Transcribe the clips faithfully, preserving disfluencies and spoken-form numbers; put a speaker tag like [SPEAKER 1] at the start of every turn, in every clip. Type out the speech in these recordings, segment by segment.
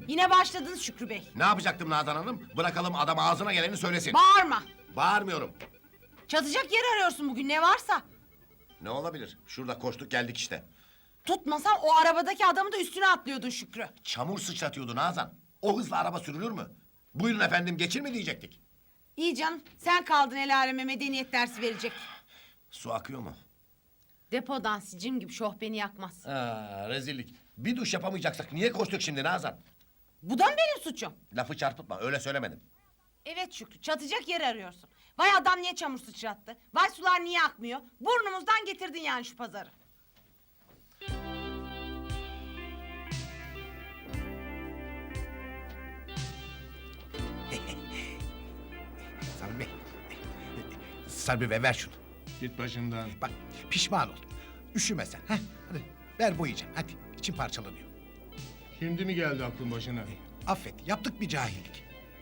[SPEAKER 1] Yine başladınız Şükrü Bey.
[SPEAKER 2] Ne yapacaktım Nazan Hanım? Bırakalım adam ağzına geleni söylesin.
[SPEAKER 1] Bağırma.
[SPEAKER 2] Bağırmıyorum.
[SPEAKER 1] Çatacak yer arıyorsun bugün ne varsa.
[SPEAKER 2] Ne olabilir? Şurada koştuk geldik işte.
[SPEAKER 1] Tutmasam o arabadaki adamı da üstüne atlıyordun Şükrü.
[SPEAKER 2] Çamur sıçratıyordu Nazan. O hızla araba sürülür mü? Buyurun efendim geçir mi diyecektik.
[SPEAKER 1] İyi canım sen kaldın el aleme medeniyet dersi verecek.
[SPEAKER 2] Su akıyor mu?
[SPEAKER 1] Depodan sicim gibi şoh beni yakmaz.
[SPEAKER 2] Aa, rezillik. Bir duş yapamayacaksak niye koştuk şimdi Nazan?
[SPEAKER 1] Bu da mı benim suçum?
[SPEAKER 2] Lafı çarpıtma öyle söylemedim.
[SPEAKER 1] Evet Şükrü çatacak yer arıyorsun. Vay adam niye çamur sıçrattı? Vay sular niye akmıyor? Burnumuzdan getirdin yani şu pazarı.
[SPEAKER 3] Sarbi Bey. Sarbi Bey ver şunu.
[SPEAKER 4] Git başımdan.
[SPEAKER 3] Bak pişman ol. Üşüme sen. Heh, hadi ver boyayacağım. Hadi içim parçalanıyor.
[SPEAKER 4] Şimdi mi geldi aklın başına?
[SPEAKER 3] Affet yaptık bir cahillik.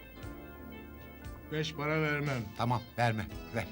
[SPEAKER 4] Beş para vermem.
[SPEAKER 3] Tamam verme ver.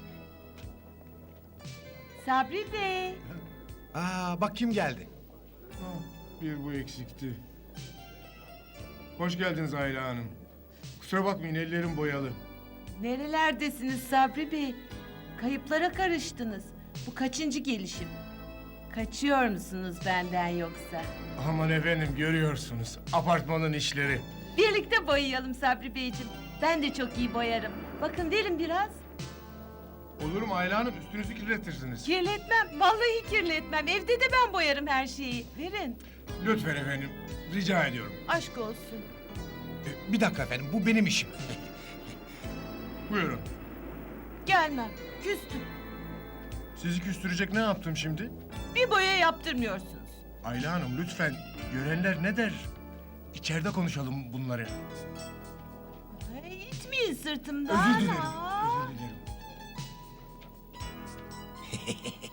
[SPEAKER 5] Sabri Bey.
[SPEAKER 3] Aa bak kim geldi.
[SPEAKER 4] Ah, bir bu eksikti. Hoş geldiniz Ayla Hanım. Kusura bakmayın ellerim boyalı.
[SPEAKER 5] Nerelerdesiniz Sabri Bey? Kayıplara karıştınız. Bu kaçıncı gelişim? Kaçıyor musunuz benden yoksa?
[SPEAKER 4] Aman efendim görüyorsunuz apartmanın işleri.
[SPEAKER 5] Birlikte boyayalım Sabri Beyciğim. Ben de çok iyi boyarım. Bakın verin biraz.
[SPEAKER 4] Olur mu Ayla Hanım üstünüzü kirletirsiniz.
[SPEAKER 5] Kirletmem. Vallahi kirletmem. Evde de ben boyarım her şeyi. Verin.
[SPEAKER 4] Lütfen efendim rica ediyorum.
[SPEAKER 5] Aşk olsun.
[SPEAKER 3] Ee, bir dakika efendim bu benim işim.
[SPEAKER 4] Buyurun.
[SPEAKER 5] Gelmem. Küstüm.
[SPEAKER 4] Sizi küstürecek ne yaptım şimdi?
[SPEAKER 5] Bir boya yaptırmıyorsunuz.
[SPEAKER 4] Ayla Hanım lütfen görenler ne der? İçeride konuşalım bunları.
[SPEAKER 5] Ay, itmeyin sırtımdan.
[SPEAKER 4] Özür dilerim.
[SPEAKER 5] Aa.
[SPEAKER 4] Özür dilerim.